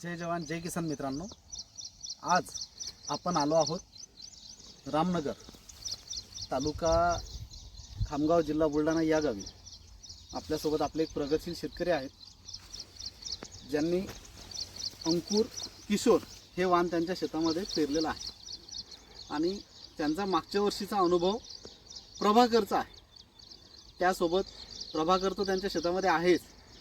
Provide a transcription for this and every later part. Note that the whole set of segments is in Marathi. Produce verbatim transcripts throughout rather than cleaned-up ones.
जय जवान जय किसान मित्रांनो, आज आपण आलो आहोत रामनगर तालुका खामगाव जिल्हा बुलढाणा या गावी. आपल्यासोबत आपले एक प्रगतशील शेतकरी आहेत ज्यांनी अंकुर किशोर हे वाण त्यांच्या शेतामध्ये पेरलेलं आहे आणि त्यांचा मागच्या वर्षीचा अनुभव प्रभाकरचा आहे. त्यासोबत प्रभाकर तर त्यांच्या शेतामध्ये आहेच,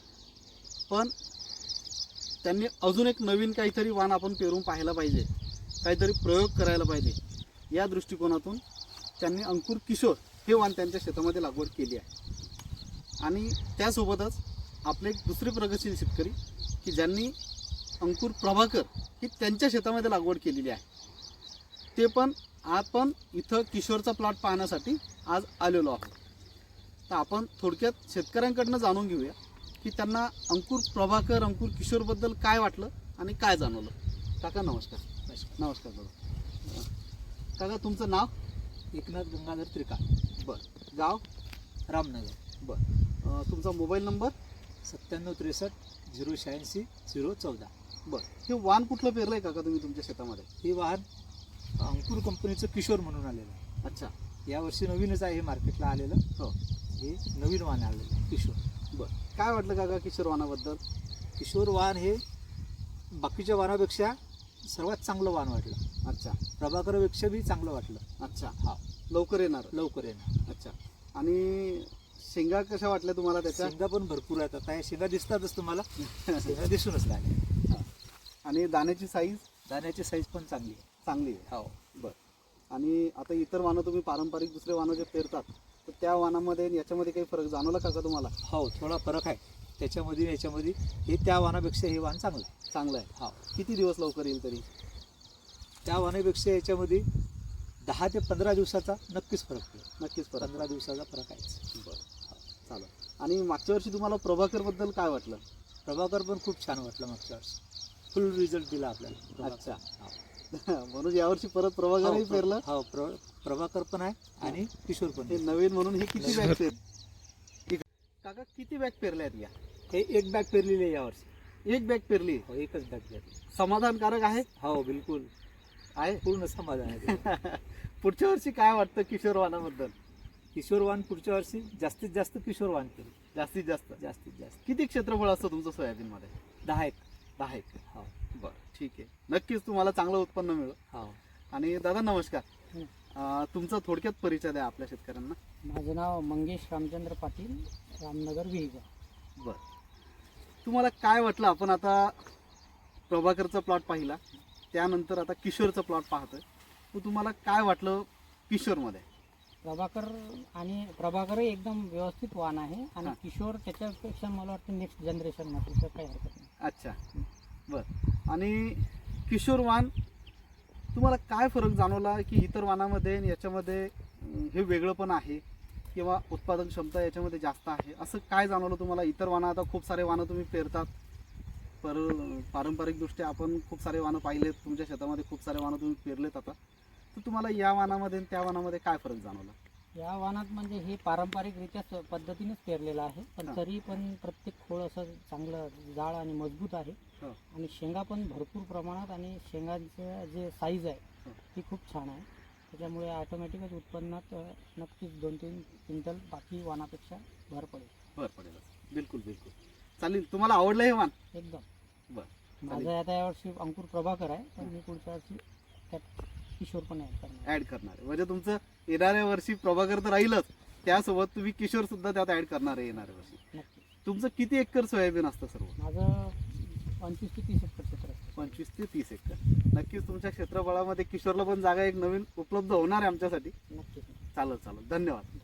पण त्यांनी अजून एक नवीन काहीतरी वाण आपण पेरून पाहायला पाहिजे, काहीतरी प्रयोग करायला पाहिजे. या दृष्टिकोनातून त्यांनी अंकुर किशोर हे वाण त्यांच्या शेतामध्ये लागवड केली आहे. आणि त्यासोबतच आपले एक दुसरे प्रगतशील शेतकरी की ज्यांनी अंकुर प्रभाकर ही त्यांच्या शेतामध्ये लागवड केलेली आहे, ते पण आपण इथं किशोरचा प्लॉट पाहण्यासाठी आज आलेलो आहोत. तर आपण थोडक्यात शेतकऱ्यांकडनं जाणून घेऊया की त्यांना अंकुर प्रभाकर अंकुर किशोरबद्दल काय वाटलं आणि काय जाणवलं. काका नमस्कार. नमस्कार दादा. काका तुमचं नाव? एकनाथ गंगाधर त्रिका. बरं. गाव? रामनगर. बरं. तुमचा मोबाईल नंबर? सत्त्याण्णव त्रेसष्ट झिरो शहाऐंशी झिरो चौदा. बरं. हे वाण कुठलं पेरलं आहे काका तुम्ही तुमच्या शेतामध्ये? हे वाहन अंकुर कंपनीचं किशोर म्हणून आलेलं आहे. अच्छा. यावर्षी नवीनच आहे हे मार्केटला आलेलं. हो, हे नवीन वाहन आलेलं आहे किशोर. बरं. काय वाटलं काका किशोर वाणाबद्दल? किशोर वाहन हे बाकीच्या वाहनापेक्षा सर्वात चांगलं वाहन वाटलं. अच्छा. प्रभाकरपेक्षा बी चांगलं वाटलं. अच्छा. हा, लवकर येणार. लवकर येणार. अच्छा. आणि शेंगा कशा वाटल्या तुम्हाला त्याच्या? शेंगा पण भरपूर आहेत. आता हे शेंगा दिसतातच तुम्हाला. शेंगा दिसूनच लागल्या. आणि दाण्याची साईज? दाण्याची साईज पण चांगली आहे. चांगली आहे. हो. बरं. आणि आता इतर वाणं तुम्ही पारंपरिक दुसरे वाणं जे पेरतात तर त्या वाणामध्ये आणि याच्यामध्ये काही फरक जाणवला का तुम्हाला? हो, थोडा फरक आहे त्याच्यामध्ये याच्यामध्ये. हे त्या वाहनापेक्षा हे वाहन चांगलं आहे. चांगलं आहे. हो. किती दिवस लवकर येईल तरी? त्या वाहनापेक्षा याच्यामध्ये दहा ते पंधरा दिवसाचा नक्कीच फरक पडेल. नक्कीच फरक. पंधरा दिवसाचा फरक आहे. बरं. चालेल. आणि मागच्या वर्षी तुम्हाला प्रभाकरबद्दल काय वाटलं? प्रभाकर पण खूप छान वाटलं मागच्या वर्षी. फुल रिझल्ट दिला आपल्याला. अच्छा. हो. म्हणून यावर्षी परत प्रभाकरही पेरलं? हो, प्र प्रभाकर पण आहे आणि किशोर पण हे आहे. नवीन म्हणून हे किती बॅग पेर काका किती बॅग पेरल्या आहेत या? हे एक बॅग पेरलेली आहे यावर्षी. एक बॅग पेरली. हो, एकच बॅग पेरली. समाधानकारक आहे? हो, बिलकुल आहे. पूर्ण समाधान आहे. पुढच्या वर्षी काय वाटतं किशोर वाणाबद्दल? किशोर वाहन पुढच्या वर्षी जास्तीत जास्त किशोर वाहन केलं. जास्तीत जास्त जास्तीत जास्त किती क्षेत्रफळ असतं तुमचं सोयाबीनमध्ये? दहा एक. दहा एकर. हो. बरं, ठीक आहे. नक्कीच तुम्हाला चांगलं उत्पन्न मिळेल. हो. आणि दादा नमस्कार. हं. अं, तुमचा थोडक्यात परिचय द्या आपल्या शेतकऱ्यांना. माझं नाव मंगेश रामचंद्र पाटील, रामनगर विहिगा. बरं. तुम्हाला काय वाटलं? आपण आता प्रभाकरचा प्लॉट पाहिला, त्यानंतर आता किशोरचा प्लॉट पाहतोय, तर तुम्हाला काय वाटलं किशोरमध्ये? प्रभाकर आणि प्रभाकरही एकदम व्यवस्थित वाण आहे आणि हां. किशोर त्याच्यापेक्षा मला वाटतं नेक्स्ट जनरेशन मध्ये तर काही हरकत नाही. अच्छा. बरं. आणि किशोर वाण तुम्हाला काय फरक जाणवला की इतर वाणामध्ये आणि याच्यामध्ये अं, हे वेगळं पण आहे किंवा उत्पादन क्षमता याच्यामध्ये जास्त आहे, असं काय जाणवलं तुम्हाला? इतर वाणं आता खूप सारे वाणं तुम्ही पेरतात, पर पारंपरिकदृष्ट्या आपण खूप सारे वाणं पाहिलेत, तुमच्या शेतामध्ये खूप सारे वाणं तुम्ही पेरलेत आता, तर तुम्हाला या वाणामध्ये आणि त्या वाणामध्ये काय फरक जाणवला? या वाणात म्हणजे हे पारंपरिकरित्या स- पद्धतीनेच पेरलेलं आहे, पण हां. तरी पण प्रत्येक खोळ असं चांगलं जाड आणि मजबूत आहे. हो. आणि शेंगा पण भरपूर प्रमाणात आणि शेंगांचं जे साईज आहे हो. ती खूप छान आहे. त्याच्यामुळे ऑटोमॅटिकच उत्पन्नात अ, नक्कीच दोन तीन क्विंटल बाकी वाणापेक्षा भर पडेल. बरं पडेल. बिलकुल बिलकुल चालेल. तुम्हाला आवडलं हे वाण? एकदम. बरं. माझा आता यावर्षी अंकुर प्रभाकर आहे, पण मी पुढच्या वर्षी त्यात किशोर पण ॲड करणार. ऍड करणार आहे. म्हणजे तुमचं येणाऱ्या वर्षी प्रभाकर तर राहीलच, त्यासोबत तुम्ही किशोर सुद्धा त्यात ऍड करणार आहे येणाऱ्या वर्षी. नक्की. तुमचं किती एकर सोयाबीन असतं सर्व? माझं पंचवीस ते तीस एकर क्षेत्र असतं. पंचवीस ते तीस एकर. नक्कीच तुमच्या क्षेत्रफळामध्ये किशोरला पण जागा एक नवीन उपलब्ध होणार आहे आमच्यासाठी. नक्कीच. चालेल चालेल. धन्यवाद.